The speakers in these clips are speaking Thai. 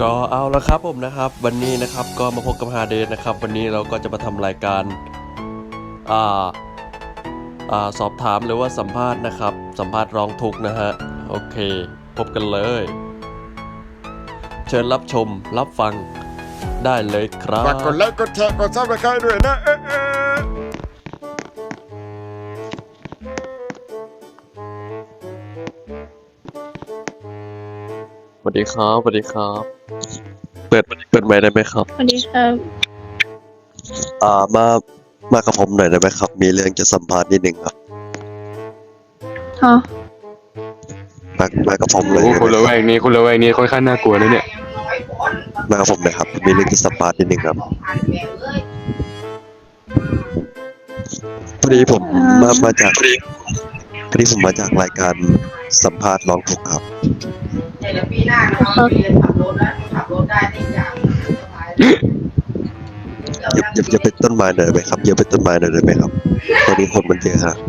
ก็เอาละครับผมนะครับวันนี้นะครับก็มาพบกับฮาเดนนะครับวันนี้เราก็จะมาทำรายการสอบถามหรือว่าสัมภาษณ์นะครับสัมภาษณ์ร้องทุกข์นะฮะโอเคพบกันเลยเชิญรับชมรับฟังได้เลยครับฝากกดไลค์กดแชร์กดซับสไครต์ด้วยนะสวัสดีครับสวัสดีครับเปิดไมค์ได้ไหมครับสวัสดีครับมากับผมหน่อยได้ไหมครับมีเรื่องจะสัมภาษณ์นิดนึงครับฮะมากับผมเลยโอ้คนละแวกนี้ค่อนข้างน่ากลัวนะเนี่ยมากับผมหนะครับมีเรื่องจะสัมภาษณ์นิดนึงครับพอดีผมมาจากผมมาจากรายการสัมภาษณ์ร้องทุกข์ครับเดี๋ยวปีหน้านะครับเรียนขับรถแล้วขับรถได้ทุกอย่างอย่าเป็นต้นไม้หน่อยไหมครับอย่าเป็นต้นไม้หน่อยได้ไหมครับตอนนี้คนมันเยอะฮะ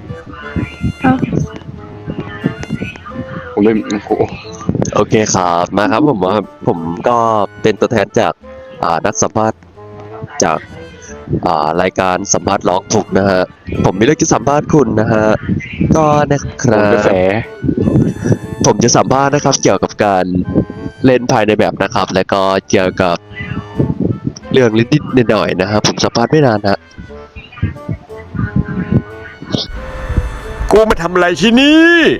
ผมไม่โอ้โหโอเคครับมาครับผมก็เป็นตัวแทนจากนักสัมภาษณ์จากรายการสัมภาษณ์ร้องทุกข์นะฮะผมมีเรื่องจะสัมภาษณ์คุณนะฮะก็นะครักระแสบผมจะสัมภาษณ์นะครับเกี่ยวกับการเล่นภายในแบบนะครับแล้วก็เกี่ยวกับเรื่องนิดๆหน่อยๆนะครับผมสัมภาษณ์ไม่นานฮะกูมาทำอะไรที่นี่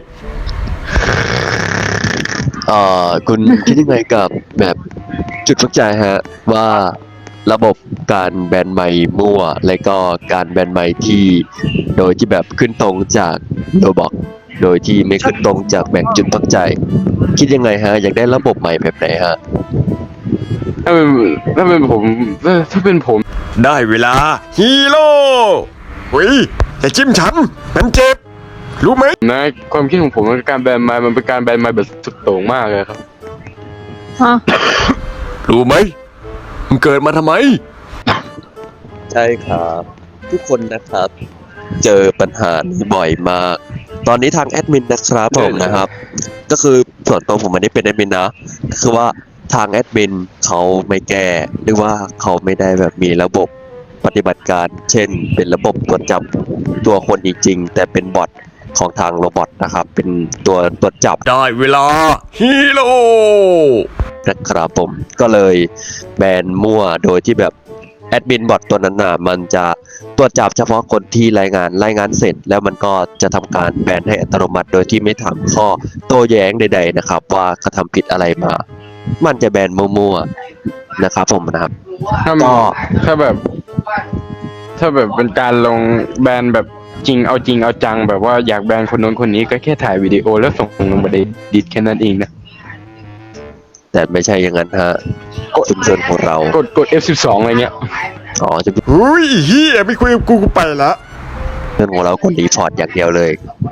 คุณคิดยังไงกับแบบจุดสนใจฮะว่าระบบการแบนไมค์มั่วและก็การแบนไมค์ที่โดยที่แบบขึ้นตรงจากโรบอกโดยที่ไม่ขึ้นตรงจากแบ่งจุดพักใจคิดยังไงฮะอยากได้ระบบใหม่แบบไหนฮะถ้าเป็นผมได้เวลาฮีโร่อย่าจิ้มฉันมันเจ็บรู้ไหมนะความคิดของผมมันการแบนไม้มันเป็นการแบนไม้แบบสุดโต่งมากเลยครับฮะรู้ไหมมึงเกิดมาทำไมใช่ครับทุกคนนะครับเจอปัญหานี้บ่อยมากตอนนี้ทางแอดมินนะครับผมนะครับก็คือส่วนตัวผมไม่ได้เป็นแอดมินนะก็คือว่าทางแอดมินเขาไม่แก้หรือว่าเขาไม่ได้แบบมีระบบปฏิบัติการเช่นเป็นระบบตรวจจับตัวคนจริงๆแต่เป็นบอทของทางโรบอทนะครับเป็นตัวตรวจจับได้เวลาฮีโร่นะครับผมก็เลยแบนมั่วโดยที่แบบแอดมินบอทตัวนั้นน่ะมันจะตรวจจับเฉพาะคนที่รายงานเสร็จแล้วมันก็จะทำการแบนให้อัตโนมัติโดยที่ไม่ถามข้อโต้แย้งใดๆนะครับว่ากระทำผิดอะไรมามันจะแบนมั่วๆนะครับผมนะครับถ้าแบบเป็นการลงแบนแบบจริงเอาจังแบบว่าอยากแบนคนโน้นคนนี้ก็แค่ถ่ายวิดีโอแล้วส่งลงมาในดิสแค่นั้นเองนะแต่ไม่ใช่อย่างนั้นฮะชุมชนของเรากด F12 อะไรเงี้ยอ๋อชุมชนหุ้ยเฮียไม่คุยกับกูไปละของเราคนรีพอร์ตอย่างเดียวเลย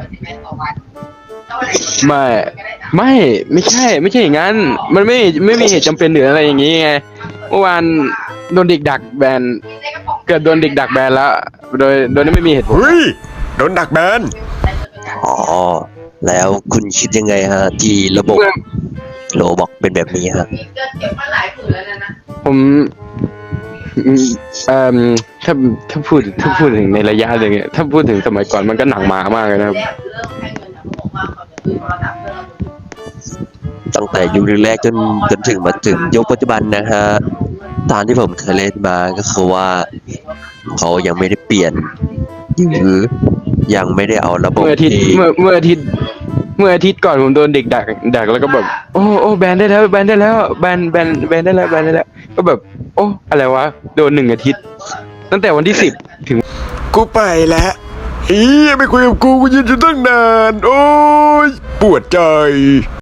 ไม่ใช่อย่างนั้นมันไม่มีเหตุจำเป็นหรืออะไรอย่างงี้ไงเมื่อวานโดนเด็กดักแบนเกิดโดนเด็กดักแบนแล้วโดยไม่มีเหตุผลเฮ้ยโดนดักแบนอ๋อแล้วคุณคิดยังไงฮะที่ระบบโรบอกเป็นแบบนี้ฮะเก็บมาหลายผืนแล้วนะผมถ้าพูดถึงในระยะเลยเนี่ยถ้าพูดถึงสมัยก่อนมันก็หนังหมามากเลยนะครับเริ่มให้เงินนะผมว่าเขาจะซื้อโทรศัพท์เพิ่มตั้งแต่ยุคแรกๆจนถึงมาถึงยุคปัจจุบันนะฮะตามที่ผมเคยเล่นมาก็คือว่าเขายังไม่ได้เปลี่ยนหรือยังไม่ได้เอาระบบเมื่ออาทิตย์ก่อนผมโดนเด็กดักแล้วก็แบบโอ้แบนได้แล้วแบนได้แล้วก็แบบโอ้อะไรวะโดน1 อาทิตย์ตั้งแต่วันที่10ถึงกูไปแล้วเฮียไม่คุยกับกูยืนอยู่ตั้งนานโอ้ยปวดใจ